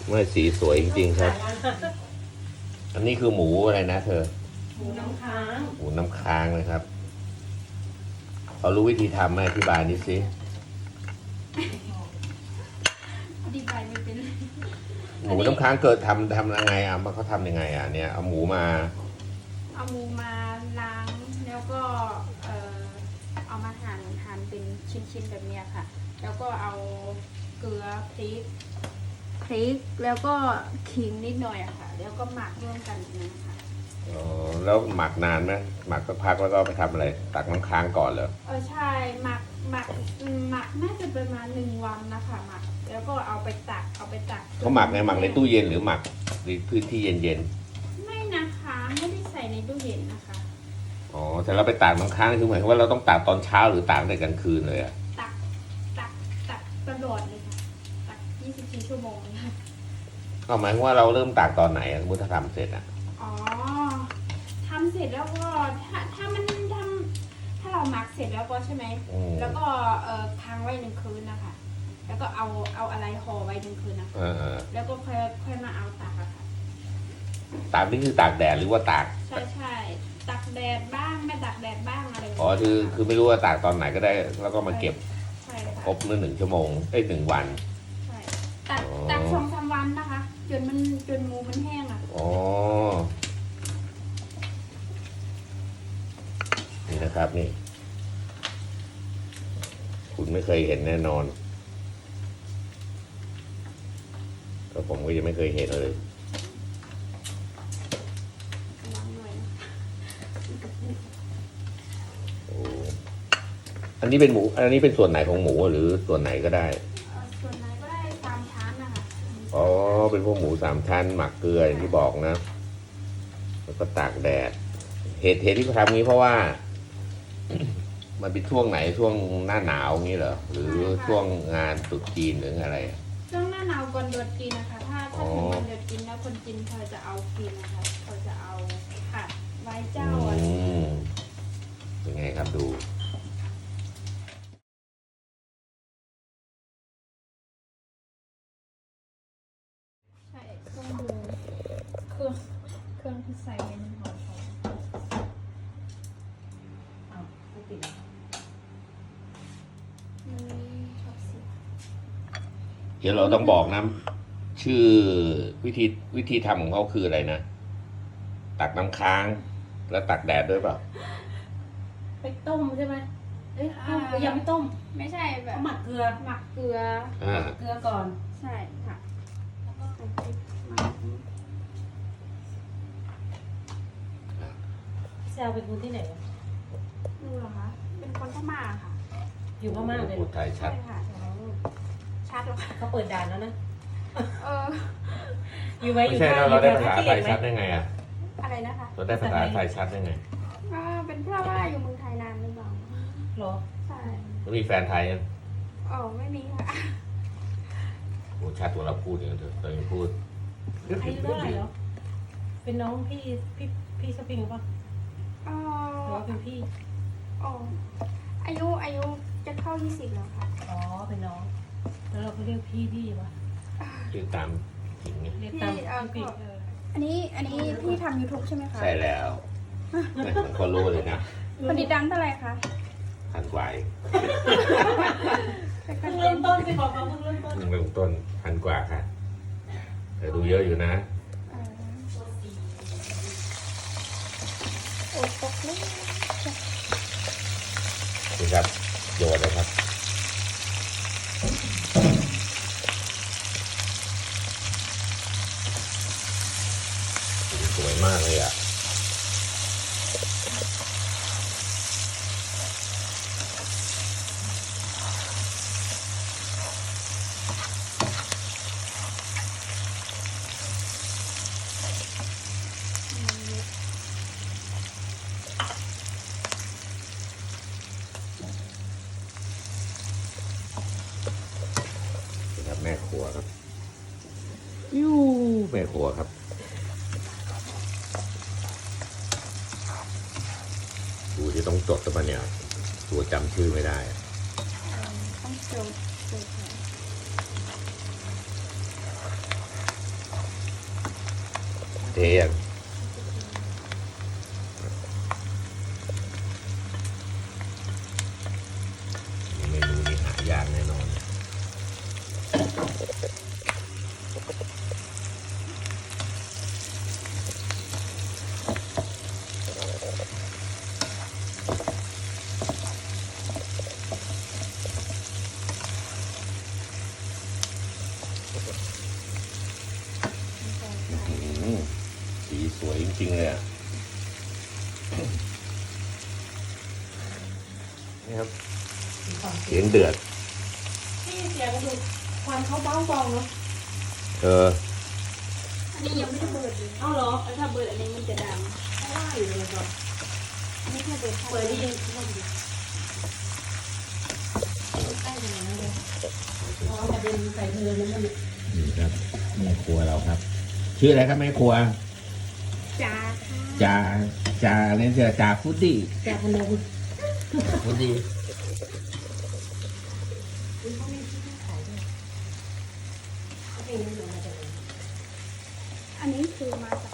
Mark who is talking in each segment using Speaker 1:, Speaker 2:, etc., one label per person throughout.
Speaker 1: ไม่สีสวยจริงๆครับ อันนี้คือหมูอะไรนะเธอ
Speaker 2: หมูน้ำค้าง
Speaker 1: หมูน้ำค้างนะครับเขารู้วิธีทำไหมอธิบายนิดสิ
Speaker 3: อธิบายไม่เป็น
Speaker 1: หมูน้ำค้างเกิดทำยังไงอ่ะเขาทำยังไงอ่ะเนี่ยเอาหมูมา
Speaker 3: เอาหมูมาล้างแล้วก็เอามาหั่นเป็นชิ้นๆแบบเนี้ยค่ะ แล้วก็เอาเกลือพริกแล้วก็ขิงนิดหน่อยอะค่ะ แล้วก็หมักร่วมกันอย่างนั้นค่ะ
Speaker 1: อ๋อแล้วหมักนานไหมหมักสักพักแล้วก็ไปทำอะไรตักน้ำค้างก่อนเหรอ
Speaker 3: ใช่หมักน่าจะประมาณ1 วันนะคะหมักแล้วก็เอาไปตัก
Speaker 1: เขาหมักในตู้เย็นหรือหมักในพื้นที่เย็น
Speaker 3: ไม่นะคะไม่ได้ใส่ในตู้เย็นนะคะ
Speaker 1: ๆอ๋อแต่เราไปตากน้ำค้างคือหมายความว่าเราต้องตากตอนเช้าหรือตากในกลางคืนเลยอ่ะ
Speaker 3: ตักตลอดเลยค่ะตัก24 ชั่วโมงเลยค่ะ
Speaker 1: ก็หมายความว่าเราเริ่มตากตอนไหนอ่ะสมมติถ้าทำเสร็จอ่ะ
Speaker 3: อ๋อทำเสร็จแล้วก็ถ้าเราหมักเสร็จแล้วก็ใช่ไหม แล้วก็ค้างไว้1 คืนนะคะ แล้วก็เอาอะไรห่อไว้1 คืนนะคะแล้วก็ค่อยมาเอาตากอะค่ะ
Speaker 1: ตากนี่คือตากแดดหรือว่าตาก
Speaker 3: ใช่ตักแดดบ้างไม่ตักแดดบ้างอะไรแบบนี้
Speaker 1: อ๋อคือไม่รู้ว่าตากตอนไหนก็ได้ แล้วก็มาเก็บ
Speaker 3: ใช่ค่ะ
Speaker 1: ครบ1 ชั่วโมง1 วัน
Speaker 3: ใช่ตัก2-3 วันนะคะ จนหมูมันแห้งอ่ะ
Speaker 1: อ๋อนี่นะครับนี่ คุณไม่เคยเห็นแน่นอนก็ผมก็ยังไม่เคยเห็นเลย
Speaker 3: ล้างหน่อยนะ
Speaker 1: โอ้อันนี้เป็นหมู อันนี้เป็นส่วนไหนของหมูหรือส่วนไหนก็ได้
Speaker 3: ส่วนไหนก็ได้3 ชั้นนะคะ
Speaker 1: อ๋อ เป็นพวกหมู3 ชั้นหมักเกลืออย่างที่บอกนะ แล้วก็ตากแดด เหตุที่เขาทำงี้เพราะว่า มันเป็นช่วงไหนช่วงหน้าหนาวงี้เหรอ หรือช่วงงานตรุษจีนหรืออะไร
Speaker 3: ช่วงหน้าหนาวก่อนเดือดกินนะคะ ถ้าถึงวันเดือดกินแล้วคนจีนเขาจะเอากินนะคะเขาจะเอาผัดไว้เจ้าอะไรอย่างเงี้ย
Speaker 1: เป็นไงครับดู
Speaker 3: ใช่ต้องดูเครื่องที่ใส่ในห่อของ
Speaker 2: อ้าวไม่ติด
Speaker 3: มันชอบเสีย
Speaker 1: เดี๋ยวเราต้องบอกนะ ชื่อวิธีทำของเขาคืออะไรนะ ตักน้ำค้าง แล้วตักแดดด้วยเปล่า
Speaker 2: ไปต้มใช่ไหมเอ้ยยังไม่ต้ม
Speaker 3: ไม่ใช่แบบ
Speaker 2: เขาหมักเกลือ
Speaker 3: หมักเกลือ
Speaker 2: เกลือก่อน
Speaker 3: ใช่ค่ะแล้วก็ใส่พริกมา
Speaker 2: แซวเป็นคนที่ไหนวะ
Speaker 3: ดูเหรอคะ เป็นคนพม่าค่ะ
Speaker 2: อยู่พม่าเลย
Speaker 1: พูดไทยชั
Speaker 3: ใช่
Speaker 1: ด
Speaker 3: ค่ะ
Speaker 2: อ๋อ
Speaker 3: ชัดเหรอคะ
Speaker 2: เขาเปิดด่านแล้วนะ
Speaker 3: เออ
Speaker 2: อยู่ไว้อ
Speaker 1: ไม่
Speaker 2: ยู่
Speaker 1: ใช่
Speaker 2: ท่
Speaker 1: เราได้
Speaker 2: อยู่
Speaker 1: ภาษา
Speaker 2: ท่
Speaker 1: ไทย
Speaker 2: ขี้เห
Speaker 1: ชั
Speaker 2: ล็
Speaker 1: ด
Speaker 2: กไหม
Speaker 1: ได้ไงอ่ะ
Speaker 3: อะไรนะคะ
Speaker 1: เราได้ภาษาไทยชัดได้ไง
Speaker 3: เป็นเพราะว่าอยู่เมืองไทยนานหรือเปล่า
Speaker 2: เหรอ
Speaker 3: ใช่
Speaker 1: แล้วมีแฟนไทยยัง
Speaker 3: อ๋อไม่มีค่ะ
Speaker 1: โอ้ชัดกว่าเราพูดอย่างเถอะเรายังพูด
Speaker 2: อายุเท่าไหร่แล้วเป็นน้องพี่สปริงปะ
Speaker 3: อ๋อ
Speaker 2: หรือว่าเป็นพี่
Speaker 3: อ๋ออายุจะเข้า20แล้วค่ะ
Speaker 2: อ๋อเป็นน้อง แล้วเราก็เรียกพี่ปะ
Speaker 1: ชื่อตามหญิงไง
Speaker 2: เรียกตาม
Speaker 3: พี่
Speaker 2: พี่
Speaker 3: อันนี้พี่ทำ YouTube ใช่ไหมคะ
Speaker 1: ใช่แล้วผมก็รู้เลยนะ
Speaker 3: คนติดตามเท่าไหร่คะ
Speaker 1: ทันกว่าอีก
Speaker 3: เป็น
Speaker 2: เพิ่ง
Speaker 3: น
Speaker 2: เริ่มต้นสิบอกเขาเพิ่งเริ่มต้น
Speaker 1: เริ่มต้นทันกว่าค่ะ แต่ดูเยอะอยู่นะ
Speaker 3: โอ้ตกเลย
Speaker 1: นี่ครับโยนเลยครับสวยมากเลยอ่ะนี่ครับแม่ครัวครับแม่ครัวครับ ดูที่ต้องจดตัวเนี่ย ตัวจำชื่อไม่ได้
Speaker 3: ต้องโจทย์
Speaker 1: ยังเมนูนี้หายากแน่นอน สีสวยจริงๆเลยอ่ะ นี่ครับ เสียงเดือด
Speaker 2: ที่เสียงดูควันเขาเบ้าบองเนาะ
Speaker 3: อันนี้ยังไม่ได้เบิดเลย
Speaker 2: เอาเหรอ
Speaker 3: ถ้าเบิดอันนี้มันจะด
Speaker 2: ไม่ได้อยู่เลยก่อน
Speaker 3: ำอันนี้แค่เบิด
Speaker 2: เปิดที่ยังไม่ดีใกล้ขนาดนั้นเลยเพราะว่ากระเด็นใส่เธอแล้วมัน
Speaker 1: นี่ครับแม่ครัวเราครับ ชื่ออะไรครับแม่ครัว
Speaker 3: จ้า
Speaker 1: จ่าเนี่ยจะจ่าฟุตดี้
Speaker 2: จากพนม
Speaker 1: ฟุตดี้
Speaker 2: เขามีที่ขายด้วยเขาเป็นเงินมาจากไหน
Speaker 3: อันนี้คือมาจาก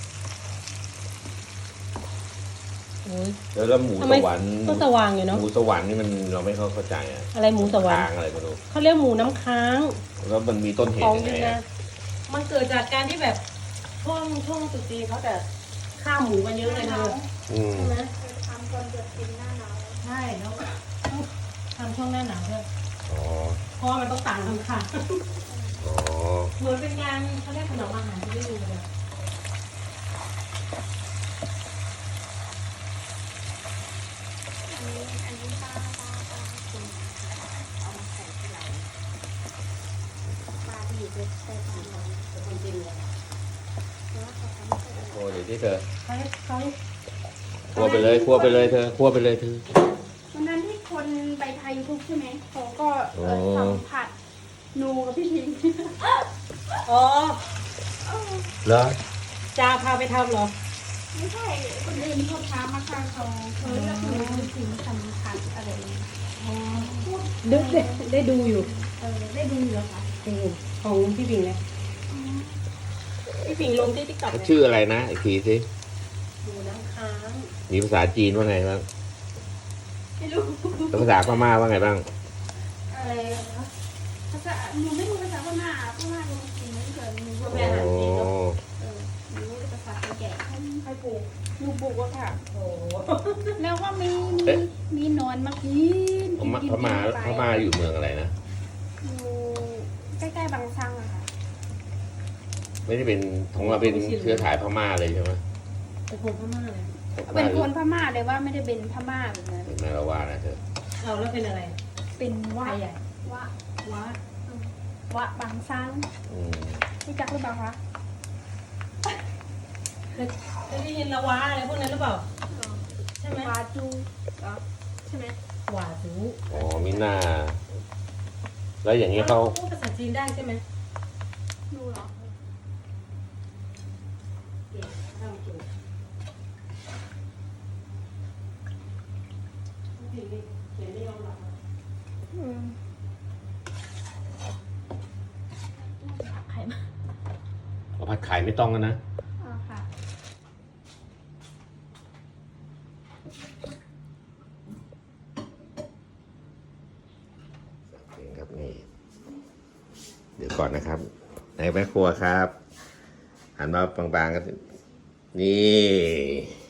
Speaker 2: โอ้ย
Speaker 1: แล้วหมู
Speaker 2: ทำ
Speaker 1: ส
Speaker 2: ไม
Speaker 1: วรรค์
Speaker 2: ก็สว่างอยู่เนาะ
Speaker 1: หมูสวรรค์นี่มันเราไม่เข้าใจอ่ะ
Speaker 2: อะไรหมูสวรร
Speaker 1: ค้า
Speaker 2: ค์
Speaker 1: งอะไรไม่รู้
Speaker 2: เขาเรียกหมูน้ำค้าง
Speaker 1: แล้วมันมีต้นเห
Speaker 2: ข
Speaker 1: ตุ
Speaker 2: อง
Speaker 1: ยัง
Speaker 2: ยู
Speaker 1: ไง
Speaker 2: นะ
Speaker 1: อะ
Speaker 2: มันเกิดจากการที่แบบช่วงตรุษจีนเขาจะฆ่าหมูกันเยอะเลยเธอ
Speaker 1: อืม
Speaker 2: ใช่ไหม
Speaker 3: ทำตอนเดือดกินหน้าหนาว
Speaker 2: ใช่แล้วทำช่วงหน้าหนาวด้วย
Speaker 1: อ๋อ
Speaker 2: เพราะว่ามันต้องต่างกันค่ะ
Speaker 1: อ๋อ
Speaker 2: เหมือนเป็นการเขาเรียกขนมอาหารที่ได้ดูเลย
Speaker 3: อันนี้ป้าคนเอามาใส่ที่ไหนป้าที่อยู่ใกล้ๆบ้านเราเป็นคนจีนเลยเพราะว่าเขาทำไม่ค่อยอร่อย
Speaker 1: โอ้เดี๋ยวที่เธอ
Speaker 2: เขา
Speaker 1: คั่วไปเลยคั่วไปเลยเธอคั่วไปเลยเธอ
Speaker 3: วันนั้นที่คนไปไทยทุกใช่ไหมเขาก็
Speaker 1: อ๋อ
Speaker 3: ทำผัดนูกับพี่ทิง
Speaker 2: อ๋อ
Speaker 1: เหรอ
Speaker 2: จ่าพาไปทำเหรอ
Speaker 3: ไม่ใช่คนอื่นเขาท้ามาค่ะเขาเลือกหนูพี่ทิงทำผัดอะไรอย่างเงี้ย
Speaker 2: ได้ดูอยู่
Speaker 3: ได้ดูอยู่เหรอคะ
Speaker 2: ดูของพี่ปิงเลยพี่ปิงลงที่ติ๊กต็อก
Speaker 1: ชื่ออะไรนะอีกทีสิ
Speaker 2: หมูน้ำค้าง
Speaker 1: มีภาษาจีนว่าไงบ้าง
Speaker 3: ไม่รู้
Speaker 1: แล้วภาษาพม่าว่าไงบ้าง
Speaker 3: อะไรนะภาษาหนูไม่รู้ภาษาพม่าพม่าหนูจริงไม่เคยหนูก็
Speaker 2: แม่
Speaker 3: แบบ
Speaker 2: อาหารจีนเนาะ
Speaker 3: หนูรู้แต่ภาษาแก่ใครปลูกหนูปลูกอะค่ะ
Speaker 2: โอ้โห
Speaker 3: แล้วก็มีนอนมากิน
Speaker 1: พม่าอยู่เมืองอะไรนะ
Speaker 3: อยู่ใกล้ๆบางซังอะค่ะ
Speaker 1: ไม่ได้เป็นของเราเป็นเชื้อสายพม่าเลยใช่ไหม
Speaker 2: เป็นคนพม่าเลย
Speaker 3: เป็นคนพม่าเลยว่าไม่ได้เป็นพม่าแบบนั้น
Speaker 1: เป็นแม่ละว่านะเธอ
Speaker 2: เอาแล้วเป็นอะไร
Speaker 3: เป็น
Speaker 2: ไท
Speaker 3: วะ
Speaker 2: ยใหญ่
Speaker 3: วะ
Speaker 2: ว้าว
Speaker 3: ะบางซัง
Speaker 1: อืม
Speaker 3: รู้จักหรือเปล่าคะ
Speaker 2: เคยได้ยินละว้าอะไรพวกนั้นหรือเปล่า ใช่ไหม
Speaker 3: วาจูเหรอใช่ไหม
Speaker 2: หวาจู
Speaker 1: อ๋อมิน่า แล้วอย่างนี้เขา
Speaker 2: พูดภาษาจีนได้ใช่ไหม
Speaker 3: ดูเหรอ
Speaker 2: เก่งทำเก่งเขียนไม่ยอมหลับ
Speaker 3: อืมไข่มา
Speaker 1: เอาผัดไข่ไม่ต้องกันนะ
Speaker 3: อ๋อค่ะ
Speaker 1: เองครับนี่ เดี๋ยวก่อนนะครับในแม่ครัวครับ หันมาบางๆกันนี่